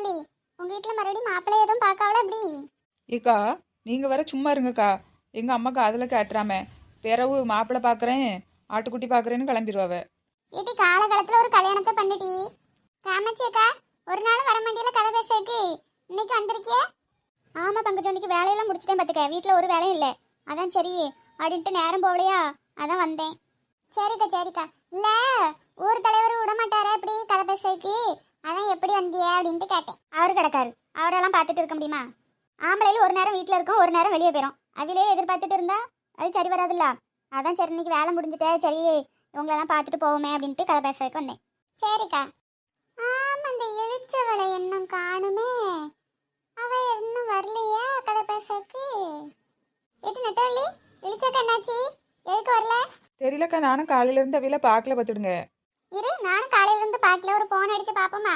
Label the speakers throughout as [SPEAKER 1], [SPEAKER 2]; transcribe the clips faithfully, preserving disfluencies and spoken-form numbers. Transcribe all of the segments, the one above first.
[SPEAKER 1] நெட்டவழி, உங்க வீட்டுல மறுபடியும் மாப்பிள்ளை எதுவும் பார்க்காவல எப்படி?
[SPEAKER 2] ஏக்கா நீங்கள் வேற சும்மா இருங்கக்கா. எங்கள் அம்மாக்கு அதில் கேட்டுறாம பிறவு மாப்பிள்ளை பார்க்குறேன் ஆட்டுக்குட்டி பார்க்குறேன்னு கிளம்பிடுவாவ.
[SPEAKER 1] ஏட்டி காலகாலத்துல ஒரு கல்யாணத்தை பண்ணிட்டி காமாட்சி அக்கா, ஒரு நாள் வர மாட்டியில கதை பேசுறதுக்கு இன்னைக்கு வந்திருக்கிய? ஆமா பங்கஜம், இன்னைக்கு வேலையெல்லாம் முடிச்சுட்டேன் பார்த்துக்க. வீட்டில் ஒரு வேலையும் இல்லை, அதான் சரி அப்படின்ட்டு நேரம் போகலையா, அதான் வந்தேன். சரிக்கா சரிக்கா. இல்ல ஊர் தலைவர் விட மாட்டாரா இப்படி கதை பேசுறதுக்கு, அதான் எப்படி வந்திய அப்படின்ட்டு கேட்டேன். அவரு கிடக்காரு, அவரெல்லாம் பார்த்துட்டு இருக்க முடியுமா? ஆம்பளையில் ஒரு நேரம் வீட்டில் இருக்கும், ஒரு நேரம் வெளியே போயிடும். அவிலே எதிர்பார்த்துட்டு இருந்தா அது சரி வராதுல்ல. அதான் சரி இன்னைக்கு வேலை முடிஞ்சுட்டே சரி இவங்களெல்லாம் பார்த்துட்டு போவோமே அப்படின்ட்டு கதை பேசுறதுக்கு வந்தேன். சரிக்கா. ஆமா, அந்த எழுச்சவளை இன்னும் காணுமே, அவ இன்னும் வரலையா கதை பேசுறதுக்கு? எட்டு நெட்டவள்ளி, எழுச்சக்கா என்னாச்சு, எதுக்கு வரல?
[SPEAKER 2] தெரியலக்கா, நானும் காலையிலேருந்து அவையில பார்க்கல பார்த்துடுங்க.
[SPEAKER 1] இரு, நானும் காலையில இருந்து பார்க்கல, ஒரு போன் அடிச்சு பாப்போமா?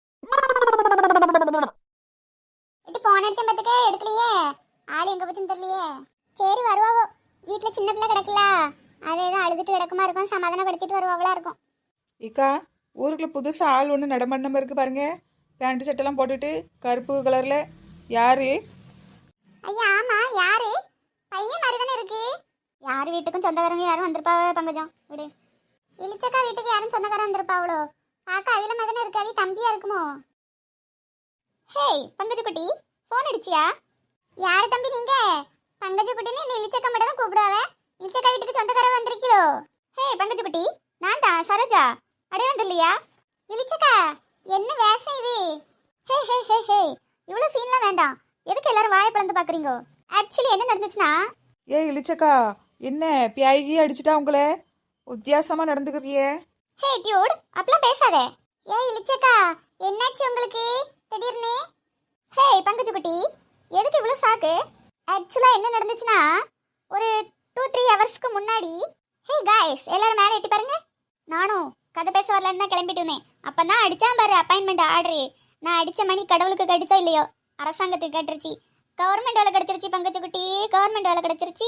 [SPEAKER 1] இது போன் அடிச்ச பத்துக்கே எடுக்கலையே, ஆள் எங்க போச்சுன்னு தெரியலையே. சரி வருவாவோ, வீட்டுல சின்ன பிள்ளை கிடக்கல, அதை ஏதோ அழுதுட்டு கிடக்குமா இருக்கும், சமாதானப்படுத்திட்டு வருவாவளா இருக்கும்.
[SPEAKER 2] ஏக்கா ஊருக்குள்ள புதுசாக ஆள் ஒன்று நடமாடின இருக்கு பாருங்க, பேண்ட் சட்டெல்லாம் போட்டுட்டு கருப்பு கலரில். யாரு?
[SPEAKER 1] ஐயா ஆமா, யாரு? பையன் மாதிரி தானே இருக்கு. யார் வீட்டுக்கும் சொந்தக்காரங்க யாரும் வந்திருப்பாவ பங்கஜம், விடு. இளிச்சக்கா வீட்டுக்கு யாரும் சொந்தக்காரன் வந்திருப்பாவளோ, பார்க்க அவில மாதிரி தானே இருக்கு, அவி தம்பியா இருக்குமோ? ஹேய் பங்கஜ குட்டி, ஃபோன் அடிச்சியா? யாரு தம்பி நீங்க? பங்கஜ குட்டின்னு என்ன இளிச்சக்கா மட்டும் தான் கூப்பிடுவாவ, இளிச்சக்கா வீட்டுக்கு சொந்தக்காரன் வந்திருக்கீளோ? ஹே பங்கஜ குட்டி, நான் தான் சரோஜா, அடே வந்துடலையா? இளிச்சக்கா என்ன வேஷம் இது? ஹே ஹே ஹே ஹே, இவ்வளோ சீன்லாம் வேண்டாம், எதுக்கு எல்லாரும் வாயை பிளந்து பார்க்குறீங்க? ஆக்சுவலி என்ன நடந்துச்சுன்னா,
[SPEAKER 2] ஏ இளிச்சக்கா, என்ன பியாயி அடிச்சிட்டா உங்களை? வித்தியாசமாக நடந்துக்கிறியே.
[SPEAKER 1] ஹே டியூட், அப்பலாம் பேசாத. ஏ இளிச்சக்கா என்னாச்சு உங்களுக்கு திடீர்னு? ஹே பங்கஜ குட்டி, எதுக்கு இவ்வளோ ஷாக்கு? ஆக்சுவலாக என்ன நடந்துச்சுன்னா, ஒரு டூ த்ரீ ஹவர்ஸ்க்கு முன்னாடி, ஹே காய்ஸ் எல்லாரும் மேலே எட்டி பாருங்க. நானும் கதை பேச வரலன்னு தான் கிளம்பிட்டு இருந்தேன். அப்போ தான் அடித்தான் பாரு அப்பாயின்மெண்ட் ஆர்டரு. நான் அடித்த மணி கடவுளுக்கு கடிச்சா இல்லையோ, அரசாங்கத்துக்கு கட்டுருச்சு. கவர்மெண்ட் வேலை கிடச்சிருச்சு பங்கஜ குட்டி, கவர்மெண்ட் வேலை கிடச்சிருச்சு.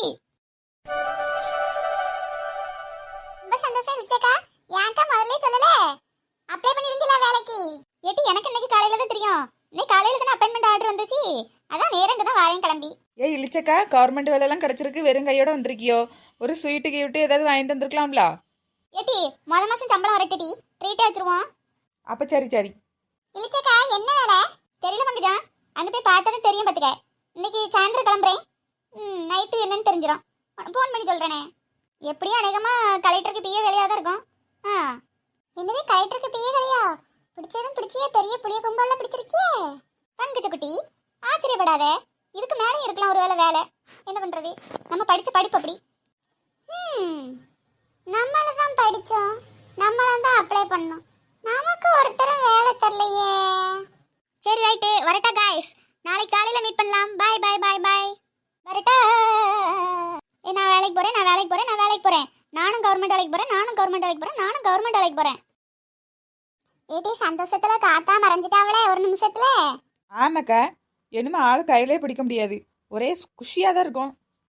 [SPEAKER 1] ரொம்ப சந்தோஷம் இளிச்சக்கா, ஏன்க்கா முதல்ல சொல்லல? அப்ளை பண்ணிருந்தீங்களா வேலைக்கு? ஏட்டி எனக்கு இன்னைக்கு காலையில தான் தெரியும், இன்னைக்கு காலையில தானே அப்பாயின்மெண்ட் ஆர்டர் வந்துச்சு, அதான் நேரங்க தான் வாரேன் கிளம்பி.
[SPEAKER 2] ஏ இளிச்சக்கா, கவர்மெண்ட் வேலையெல்லாம் கிடச்சிருக்கு, வெறும் கையோட வந்திருக்கியோ? ஒரு ஸ்வீட்டு கிஃப்ட்டு ஏதாவது வாங்கிட்டு வந்திருக்கலாம்ல?
[SPEAKER 1] ஏட்டி முத மாசம் சம்பளம் வரட்டுடி, ட்ரீட்டே வச்சிருவோம்.
[SPEAKER 2] அப்போ சரி சரி.
[SPEAKER 1] இளிச்சக்கா என்ன வேலை தெரியல பங்கஜா, அங்கே போய் பார்த்தா தெரியும் பார்த்துக்க. இன்னைக்கு சாயந்தரம் கிளம்புறேன், ம் நைட்டு என்னன்னு தெரிஞ்சிடும், ஃபோன் பண்ணி சொல்கிறேனே. எப்படியும் அநேகமாக கலெக்டருக்கு பிஏ வேலையாக தான் இருக்கும். ஆ என்னது கலெக்டருக்கு பிஏ வேலையா? பிடிச்சதும் பிடிச்சியே பெரிய புளிய கும்பலில் பிடிச்சிருக்கியே பங்கஜ குட்டி, ஆச்சரியப்படாத, இதுக்கு மேலேயும் இருக்கலாம் ஒரு வேலை. வேலை என்ன பண்ணுறது, நம்ம படித்த படிப்பு அப்படி. ம் நம்மள தான் படித்தோம், நம்மள தான் அப்ளை பண்ணோம், நமக்கு ஒருத்தரும் வேலை தரலையே. சரி ரைட்டு, வரட்டா காய்ஸ், நாளைக்கு காலையில் மீட் பண்ணலாம். பாய் பாய் பாய் பாய், வரட்டா. ஏ நான் வேலைக்கு போகிறேன், நான் வேலைக்கு போகிறேன், நான் வேலைக்கு போகிறேன், நானும் கவர்மெண்ட் வேலைக்கு போகிறேன், நானும் கவர்மெண்ட் வேலைக்கு போகிறேன், நானும் கவர்மெண்ட் வேலைக்கு போகிறேன். ஏடி சந்தோஷத்துல காத்தா மறைஞ்சிட்டாவளே ஒரு நிமிஷத்துல.
[SPEAKER 2] ஆமாக்கா, என்னமோ ஆள் கையிலே பிடிக்க முடியாது, ஒரே குஷியாக தான் இருக்கும்.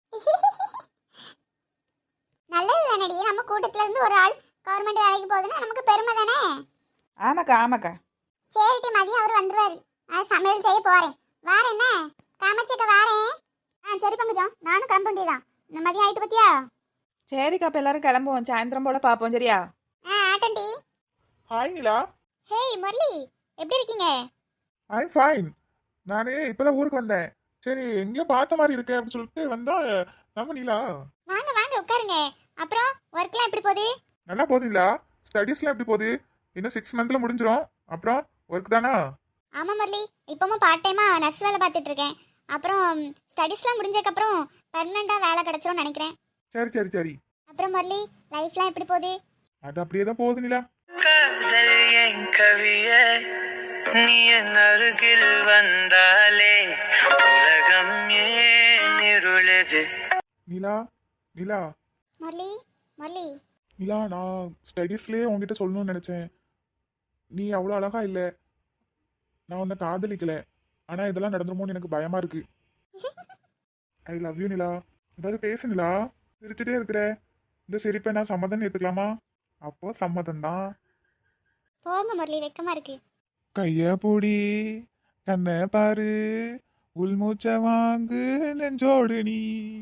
[SPEAKER 1] நல்லது தானடி, நம்ம கூட்டத்துல இருந்து ஒரு ஆள் கவர்மெண்ட் வேலைக்கு போகுதுன்னா நமக்கு பெருமை தானே.
[SPEAKER 2] ஆமாக்கா ஆமாக்கா.
[SPEAKER 1] சரிடி மதியம் அவர் வந்துருவாரு, நான் சமையல் செய்ய போறேன். வாரேன் என்ன காமாட்சிக்க வாரேன். ஆ சரி பங்கஜம், நானும் கிளம்ப வேண்டியதான், மதியம் ஆயிட்டு பத்தியா?
[SPEAKER 2] சரிக்கா, அப்போ எல்லாரும் கிளம்புவோம், சாயந்தரம் போல பார்ப்போம் சரியா?
[SPEAKER 1] ஆ ஆட்டண்டி.
[SPEAKER 3] ஹாய் நிலா.
[SPEAKER 1] ஹேய் முரளி, எப்படி இருக்கீங்க?
[SPEAKER 3] I'm fine. நானே இப்பதான் ஊருக்கு வந்தேன், சரி எங்கேயோ பார்த்த மாதிரி இருக்கேன் அப்படின்னு சொல்லிட்டு வந்தா நம்ம நிலா.
[SPEAKER 1] வாங்க வாங்க உட்காருங்க. அப்புறம் ஒர்க்லாம் எப்படி போகுது?
[SPEAKER 3] நல்லா போகுது நிலா. ஸ்டடீஸ்லாம் எப்படி போகுது? இன்னும் சிக்ஸ் மந்த்ல முடிஞ்சிரும், அப்புறம் ஒர்க் தானா?
[SPEAKER 1] ஆமா முரளி, இப்பவும் பார்ட் டைமா நர்ஸ் வேலை பார்த்துட்டு இருக்கேன். அப்புறம் ஸ்டடீஸ்லாம் முடிஞ்சதுக்கப்புறம் பெர்மனண்டா வேலை கிடைச்சிரும்னு நினைக்கிறேன்.
[SPEAKER 3] சரி சரி சரி.
[SPEAKER 1] அப்புறம் முரளி லைஃப்லாம் எப்படி போகுது?
[SPEAKER 3] அது அப்படியே தான் போகுது நிலா.
[SPEAKER 4] காதல் என் கவியே, நீ என் அருகில் வந்தாலே உலகம் ஏன் இருளுது.
[SPEAKER 3] நிலா நிலா
[SPEAKER 1] முரளி முரளி
[SPEAKER 3] நிலா, நான் ஸ்டடீஸ்லேயே உங்ககிட்ட சொல்லணும்னு நினச்சேன். நீ அவ்வளோ அழகா இல்லை, நான் உன்னை காதலிக்கல, ஆனால் இதெல்லாம் நடந்துருமோன்னு எனக்கு பயமா இருக்கு. I love you Nila. ஏதாவது பேசு நிலா, சிரிச்சுட்டே இருக்கிற. இந்த சிரிப்பை நான் சம்மதம் ஏற்றுக்கலாமா? அப்போ சம்மதம் தான்.
[SPEAKER 1] போங்க முரளி, வெக்கமா இருக்கு.
[SPEAKER 3] கைய பூடி கண்ண பாரு உள்மூச்ச வாங்கு நெஞ்சோடு நீ.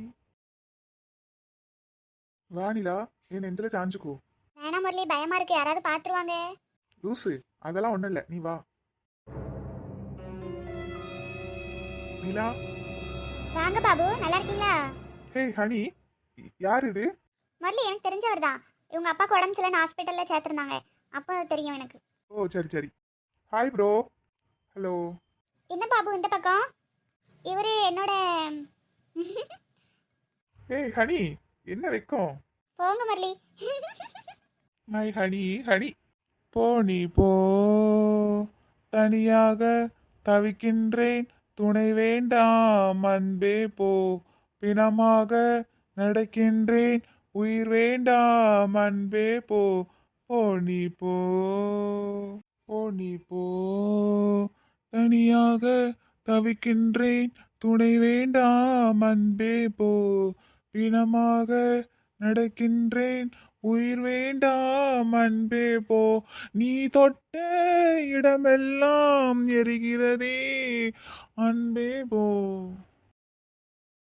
[SPEAKER 3] வானிலா என் நெஞ்சில சாஞ்சுக்கோ.
[SPEAKER 1] வேணாம் முரளி, பயமா இருக்கு, யாராவது பாத்துருவாங்க.
[SPEAKER 3] லூசு, அதெல்லாம் ஒண்ணும் இல்ல, நீ வா. நிலா.
[SPEAKER 1] வாங்க பாபு, நல்லா இருக்கீங்களா?
[SPEAKER 3] ஹே ஹனி, யார் இது?
[SPEAKER 1] முரளி எனக்கு தெரிஞ்சவர் தான். இவங்க அப்பாவுக்கு உடம்பு சரியில்லைன்னு ஹாஸ்பிட்டல்ல சேர்த்துருந்தாங்க, அப்போ தெரியும் எனக்கு.
[SPEAKER 3] ஓ சரி சரி. Hi bro. ஹலோ.
[SPEAKER 1] என்ன பாபு இந்த பக்கம்? இவரு என்னோட
[SPEAKER 3] ஏய் ஹனி, என்ன வெக்கம்?
[SPEAKER 1] போங்க முரளி.
[SPEAKER 3] My honey honey. போ நீ போ, தனியாக தவிக்கின்றேன், துணை வேண்டாம் அன்பே போ, பிணமாக நடக்கின்றேன், உயிர் வேண்டாம் அன்பே போ, போ நீ போ, போ நீ போ, தனியாக தவிக்கின்றேன், துணை வேண்டாம் அன்பே போ, பிணமாக நடக்கின்றேன், உயிர் வேண்டாம் அன்பே போ, நீ தொட்ட இடமெல்லாம் எரிகிறதே அன்பே போ.